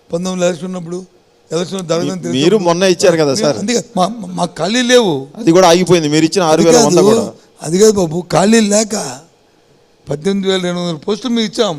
19 election ఉన్నప్పుడు election జరగదని మీరు మొన్న ఇచ్చారు కదా సార్, అందుకే మా ఖాళీ లేవు, అది కూడా ఆగిపోయింది. మీరు ఇచ్చిన 6,100 కూడా అది కాదు బాబు, ఖాళీ లేక 18,200 పోస్టులు మేము ఇచ్చాం,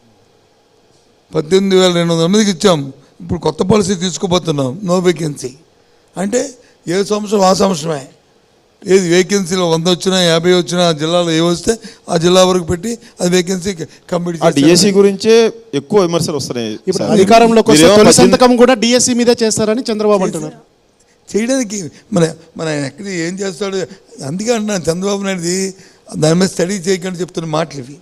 18,200 మందికి ఇచ్చాం. ఇప్పుడు కొత్త పాలసీ తీసుకుపోతున్నాం, నో వేకెన్సీ అంటే ఏ సంవత్సరం ఆ సంవత్సరమే. ఏది వేకెన్సీలో 100 వచ్చినా 50 వచ్చినా ఆ జిల్లాలో ఏ వస్తే ఆ జిల్లా వరకు పెట్టి అది వేకెన్సీ కంప్లీట్ చేసి డిఎస్సి గురించే ఎక్కువ విమర్శలు వస్తున్నాయి. ఇప్పుడు అధికారంలోకి వస్తే తొలి సంతకం కూడా డిఎస్సి మీదే చేస్తారని చంద్రబాబు అంటున్నారు. చేయడానికి మన ఎక్కడ ఏం చేస్తాడు, అందుకే అంటున్నాను చంద్రబాబు నాయుడుది దాని మీద స్టడీ చేయకుండా చెప్తున్న మాటలు ఇవి.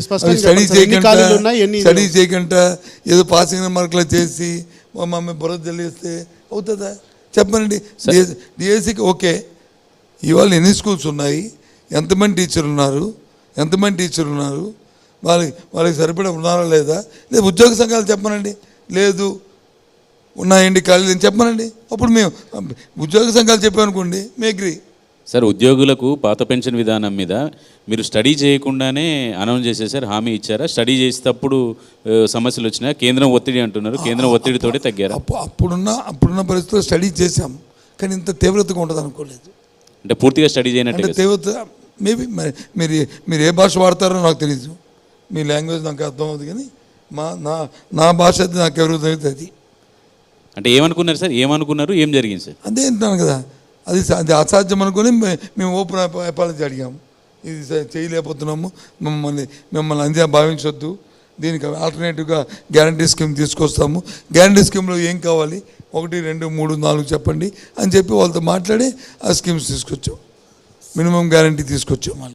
స్టడీ చేయకుండా ఏదో పాసింగ్ మార్కులు చేసి మమ్మల్ని బుర్ర తెలిస్తే అవుతుందా చెప్పనండి. డిఎస్సికి ఓకే, ఇవాళ ఎన్ని స్కూల్స్ ఉన్నాయి, ఎంతమంది టీచర్లు ఉన్నారు, వాళ్ళకి సరిపడా ఉన్నారా లేదా, లేదు ఉద్యోగ సంఘాలు చెప్పనండి, లేదు ఉన్నాయండి ఖాళీ అని చెప్పనండి. అప్పుడు మేము ఉద్యోగ సంఘాలు చెప్పామనుకోండి మేము అగ్రీ. సార్, ఉద్యోగులకు పాత పెన్షన్ విధానం మీద మీరు స్టడీ చేయకుండానే అనౌన్స్ చేసేసారు, హామీ ఇచ్చారా? స్టడీ చేసేటప్పుడు సమస్యలు వచ్చినా కేంద్రం ఒత్తిడి అంటున్నారు, కేంద్రం ఒత్తిడితోటే తగ్గారు. అప్పుడున్న పరిస్థితుల్లో స్టడీ చేశాం, కానీ ఇంత తీవ్రతగా ఉంటుంది అనుకోలేదు. అంటే పూర్తిగా స్టడీ చేయనట్టు తీవ్రత మేబీ మీరు ఏ భాష వాడతారో నాకు తెలియదు, మీ లాంగ్వేజ్ నాకు అర్థం అవుతుంది, కానీ నా భాష అయితే నాకు ఎవరు తెలియదు. అది అంటే ఏమనుకున్నారు సార్, ఏం జరిగింది సార్? అదే అంటున్నాను కదా, అది అసాధ్యం అనుకుని మేము ఓపెన్ అపాలజీ అడిగాము, ఇది చేయలేకపోతున్నాము, మిమ్మల్ని అందే భావించొద్దు, దీనికి ఆల్టర్నేటివ్గా గ్యారంటీ స్కీమ్ తీసుకొస్తాము, గ్యారంటీ స్కీమ్లో ఏం కావాలి 1, 2, 3, 4 చెప్పండి అని చెప్పి వాళ్ళతో మాట్లాడి ఆ స్కీమ్స్ తీసుకొచ్చాం, మినిమం గ్యారంటీ తీసుకొచ్చాం.